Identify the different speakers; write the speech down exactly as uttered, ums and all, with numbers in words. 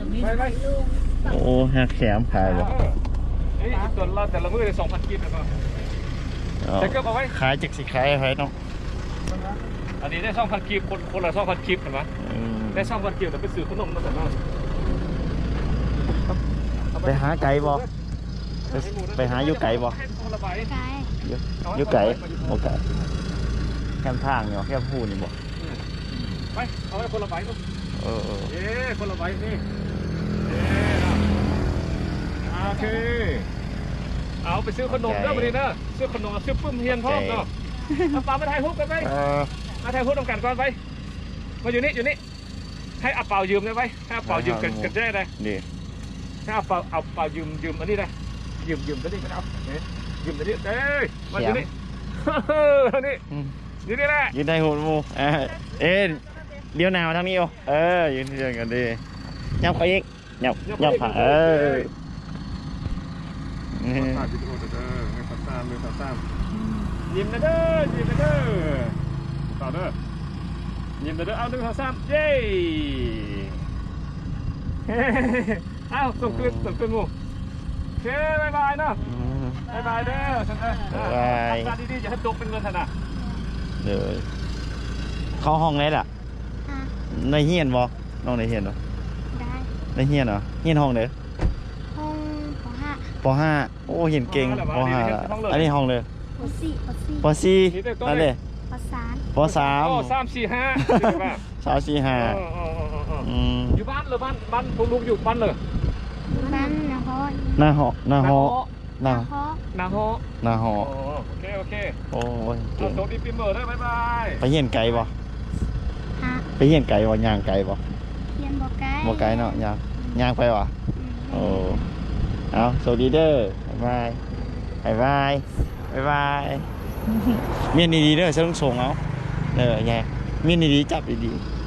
Speaker 1: ไปไป
Speaker 2: โอ้หักแขมขายบ่
Speaker 1: เอ้ยตัวละแต่ละมือเลยสองพันกิโลแล้วก็แต่ก็เอาไว้
Speaker 2: ขายจักสิขายให้เนาะ
Speaker 1: อันนี้ได้สองพันกิโลคนคนละสองพันกิโลเห็นไหมได้สองพันกิโลแต่ไปซื้อขนมมาแต่ละ
Speaker 2: ไปหาไก่บ่ไปไปหาอยู่ไก่บ่อยู่อยู่ไก่โอเคแคมทางเนาะแคมพูนี่บ่
Speaker 1: ไปเอาไว้คนละใบลูก
Speaker 2: เออเออ
Speaker 1: เย้คนละใบนี่เย้โอเคเอาไปซื้อขนมเด้อวันนี้เด้อซื้อขนมซื้อปุ้มเฮียนพ่อเนาะเอาปลามาถ่ายรูปกันไป
Speaker 2: เออ
Speaker 1: มาถ่ายรูปตรงกันก่อนไปมาอยู่นี่อยู่นี่ให้เอาเปล่ายืมได้ไหมให้เอาเปล่ายืมกันกันได้เลย
Speaker 2: นี่
Speaker 1: ให้เอาเปล่าเอาเปล่ายืมยืมอันนี้ได้ยืมยืมตัวนี้ก็เอายืมตัวนี้เอ้ยมาอยู่นี่เฮ้ยนี่อยู่นี่แหละ
Speaker 2: ยืนได้หูหมูเออเอ็นเลี้ยวหนาวทางนี้โอเออยืนเชิงกันดียับไปอีกยับยับผ่าเออนี่
Speaker 1: ถ่ายวิดีโอเด้อให้ตัดตามเลยตัดตามยิ้มนะเด้อยิ้มนะเด้อต่อเด้อยิ้มนะเด้อเอาหนึ่งสองสามเย้เอาส่งคืนส่งคืนหมูโอเคบายบายเนาะบายบายเด้อฉันเด้อบายทำงานดีๆอย่าให้ตกเป็นเงินธนา
Speaker 2: เดี๋ยวเข้าห้องไหนล่ะในเฮียนบ่น้องในเฮียนเหรอ
Speaker 3: ได้
Speaker 2: ในเฮียนเหรอเฮียนห้องเด้อ
Speaker 3: ห้องปห้า
Speaker 2: ปห้าโอ้เห็นเก่งปห้าอันนี้ห้องเลย
Speaker 3: ปสี่ปสี่
Speaker 2: ปสี่นั่นเลย
Speaker 3: ปสาม
Speaker 2: ปสาม
Speaker 1: โอ้สามสี่ห้า
Speaker 2: สามสี่ห้า อืม
Speaker 1: อยู่บ้านเลยบ้านบ้านพวกลูกอยู่บ้านเลย
Speaker 3: บ้านนะฮอ
Speaker 2: หน้าหอหน้าหอหน้า
Speaker 3: ฮอ
Speaker 1: นาฮอ
Speaker 2: หน้าหอ
Speaker 1: โอเคโอเค
Speaker 2: โอ้ย
Speaker 1: เอา
Speaker 2: เก่ง
Speaker 1: โต๊ะดีปีเมอร์ได้บายบาย
Speaker 2: ไปเฮียนไก่บ่
Speaker 3: ฮะ
Speaker 2: ไปเฮียนไก่บ่ย่างไก่บ่
Speaker 3: เทียนบอกไก่
Speaker 2: บ่ไก่เนาะย่างย่างไปวะโอ้เอาสวัสดีเด้อบายบายบายบายบาย เมียนดีๆเด้อฉันต้องส่งเอาเด้อไงเมียนดีๆจับดีๆ